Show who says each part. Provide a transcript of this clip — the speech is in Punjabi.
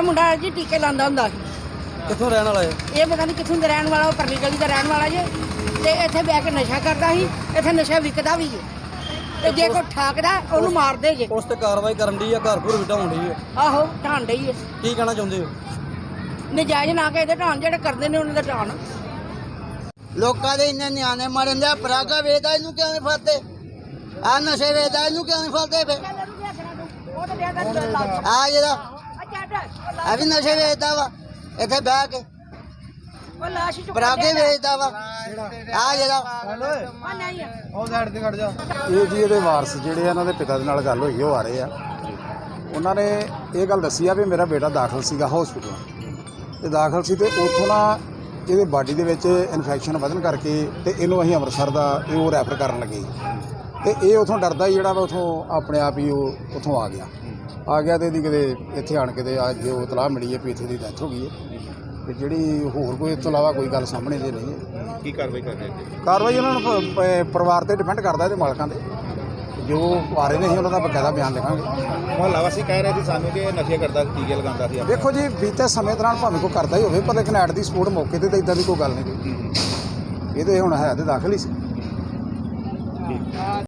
Speaker 1: ਇਹ ਮੁੰਡਾ ਜੀ ਟੀਕੇ ਲਾਉਂਦਾ ਹੁੰਦਾ ਸੀ।
Speaker 2: ਕਿੱਥੋਂ ਰਹਿਣ ਵਾਲਾ ਹੈ?
Speaker 1: ਇਹ ਪਤਾ ਨਹੀਂ ਕਿੱਥੋਂ ਦਾ ਰਹਿਣ ਵਾਲਾ, ਉਹ ਪਰਲੀ ਗਲੀ ਦਾ ਰਹਿਣ ਵਾਲਾ ਜੇ। ਤੇ ਇੱਥੇ ਬਹਿ ਕੇ ਨਸ਼ਾ ਕਰਦਾ ਸੀ, ਇੱਥੇ ਨਸ਼ਾ ਵਿਕਦਾ ਵੀ ਜੇ। ਤੇ ਜੇ ਕੋਈ ਠਾਕਦਾ ਉਹਨੂੰ ਮਾਰਦੇ ਜੇ।
Speaker 2: ਉਸ ਤੇ ਕਾਰਵਾਈ ਕਰਨ ਦੀ ਆ, ਘਰ ਘਰ ਵਿਟਾਉਣ ਦੀ ਹੈ।
Speaker 1: ਆਹੋ ਢਾਣ ਡਈ ਹੈ।
Speaker 2: ਕੀ ਕਹਿਣਾ ਚਾਹੁੰਦੇ ਹੋ?
Speaker 1: ਨਜਾਇਜ਼ ਨਾ ਕੇ ਇਹਦੇ ਢਾਣ, ਜਿਹੜੇ ਕਰਦੇ ਨੇ ਉਹਨਾਂ ਦਾ ਢਾਣ।
Speaker 3: ਲੋਕਾਂ ਦੇ ਇੰਨੇ ਨਿਆਣੇ ਮਰਨ ਦੇ, ਪਰਾਗਾ ਵੇਚਦਾ ਇਹਨੂੰ ਕਿਉਂ ਨਹੀਂ ਫੜਦੇ? ਆ ਨਸ਼ੇ ਵੇਚਦਾ ਇਹਨੂੰ ਕਿਉਂ ਨਹੀਂ ਫੜਦੇ? ਫੇ ਆ ਜਿਹੜਾ ਆ ਵੀ ਨਸ਼ੇ ਵੇਚਦਾ ਵਾ, ਇੱਥੇ ਬਹਿ ਕੇ ਪਰਾਗੇ ਵੇਚਦਾ ਵਾ। ਆ ਜਿਹੜਾ
Speaker 2: ਉਹ ਸਾਈਡ ਤੇ ਖੜ ਜਾ।
Speaker 4: ਇਹ ਜੀ ਇਹਦੇ ਵਾਰਸ ਜਿਹੜੇ ਆ, ਇਹਨਾਂ ਦੇ ਪਿਤਾ ਦੇ ਨਾਲ ਗੱਲ ਹੋਈ, ਉਹ ਆ ਰਹੇ ਆ। ਉਹਨਾਂ ਨੇ ਇਹ ਗੱਲ ਦੱਸੀ ਆ ਵੀ ਮੇਰਾ ਬੇਟਾ ਦਾਖਲ ਸੀਗਾ ਹਸਪੀਟਲ, ਤੇ ਦਾਖਲ ਸੀ ਤੇ ਉੱਥੋਂ ਨਾ ਇਹਦੇ ਬਾਡੀ ਦੇ ਵਿੱਚ ਇਨਫੈਕਸ਼ਨ ਵਧਣ ਕਰਕੇ ਤੇ ਇਹਨੂੰ ਅਸੀਂ ਅੰਮ੍ਰਿਤਸਰ ਦਾ ਉਹ ਰੈਫਰ ਕਰਨ ਲੱਗੇ। ਤੇ ਇਹ ਉੱਥੋਂ ਡਰਦਾ ਹੀ ਜਿਹੜਾ ਵਾ ਉੱਥੋਂ ਆਪਣੇ ਆਪ ਹੀ ਉਹ ਉੱਥੋਂ ਆ ਗਿਆ ਤੇ ਇਹਦੀ ਕਿਤੇ ਇੱਥੇ ਆਣ ਕੇ ਤੇ ਅੱਜ ਉਹ ਇਤਲਾਹ ਮਿਲੀ ਹੈ ਵੀ ਇੱਥੇ ਦੀ ਡੈਥ ਹੋ ਗਈ ਹੈ। ਤੇ ਜਿਹੜੀ ਹੋਰ ਕੋਈ ਇਸ ਤੋਂ ਇਲਾਵਾ ਕੋਈ ਗੱਲ ਸਾਹਮਣੇ ਦੇ ਨਹੀਂ ਹੈ।
Speaker 5: ਕੀ ਕਾਰਵਾਈ ਕਰ ਰਹੇ ਜੀ?
Speaker 4: ਕਾਰਵਾਈ ਉਹਨਾਂ ਨੂੰ ਪਰਿਵਾਰ ਤੇ ਡਿਪੈਂਡ ਕਰਦਾ, ਇਹਦੇ ਮਾਲਕਾਂ ਦੇ ਜੋ ਆ ਰਹੇ ਨੇ ਅਸੀਂ ਉਹਨਾਂ ਦਾ ਬਕਾਇਦਾ ਬਿਆਨ ਲਿਖਾਂਗੇ।
Speaker 5: ਮੁਹੱਲਾ ਵਾਸੀ ਕਹਿ ਰਹੇ ਸੀ ਸਾਨੂੰ ਕਿ ਨਸ਼ੇ ਕਰਦਾ, ਟੀਕੇ ਲਗਾਉਂਦਾ ਸੀ।
Speaker 4: ਦੇਖੋ ਜੀ, ਬੀਤੇ ਸਮੇਂ ਦੌਰਾਨ ਭਾਵੇਂ ਕੋਈ ਕਰਦਾ ਹੀ ਹੋਵੇ, ਪਰ ਲੇਕਿਨ ਐਟ ਦੀ ਸਪੋਰਟ ਮੌਕੇ ਤੇ ਤਾਂ ਇਦਾਂ ਦੀ ਕੋਈ ਗੱਲ ਨਹੀਂ। ਇਹ ਤੇ ਹੁਣ ਹੈ ਤੇ ਦਾਖਲ ਹੀ ਸੀ।